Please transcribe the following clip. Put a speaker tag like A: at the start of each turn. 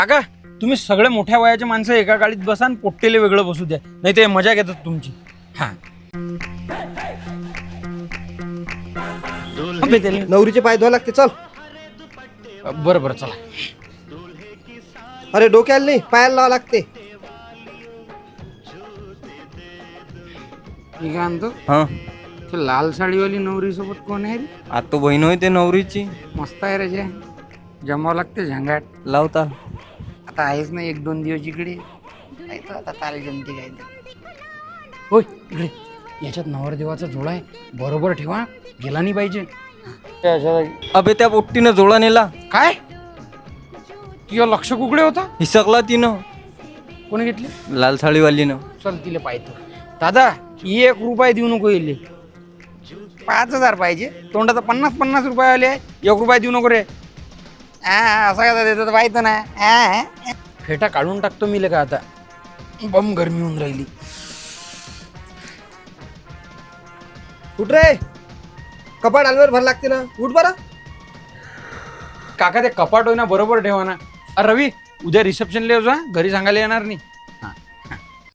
A: काका तुम्ही सगळे मोठ्या वयाचे माणसं एका गाडीत बसा आणि पोट्टेले वेगळं बसू द्या, नाही ते मजा घेतात तुमची. हा
B: नवरीचे पाय धुवा लागते. चल.
A: बरं बरं चला.
B: अरे डोक्याला नाही, पायाला लावा लागते.
C: मी काय म्हणतो,
D: हा
C: ते लाल साडीवाली नवरी सोबत कोण आहे रे?
D: आता बहीण होय ते नवरीची.
C: मस्त आहे रे जे. जमावं लागते झंगाट.
D: लावता
C: आता आहेच ना 1-2 दिवस इकडे. काय तर आता ताल जमते काय तर.
A: होय इकडे याच्यात नवरदेवाचा जोडा आहे, बरोबर ठेवा, गेला नाही पाहिजे.
D: अबे त्या पोट्टीनं जोडा नेला.
A: काय तुझं लक्ष कुकडे होता?
D: हिसकला तिनं
A: कोणी घेतली?
D: लाल साडीवालीनं.
A: चल तिला पाहतो. दादा 1 रुपया देऊ नको येईल.
C: 5,000 पाहिजे.
A: तोंडाचा 50 रुपये आले, 1 रुपया देऊ नको रे.
C: असं का देतो तर पाहिजे ना.
A: फेटा काढून टाकतो मी का आता, बम गरमी होऊन राहिली.
B: उठ रे, कपाट अलवर भर लागते ना. उठ बरं.
A: काका ते कपाट होईना बरोबर ठेवा ना. अरे रवी, उद्या रिसेप्शनला येऊ जा, घरी सांगायला येणार नाही.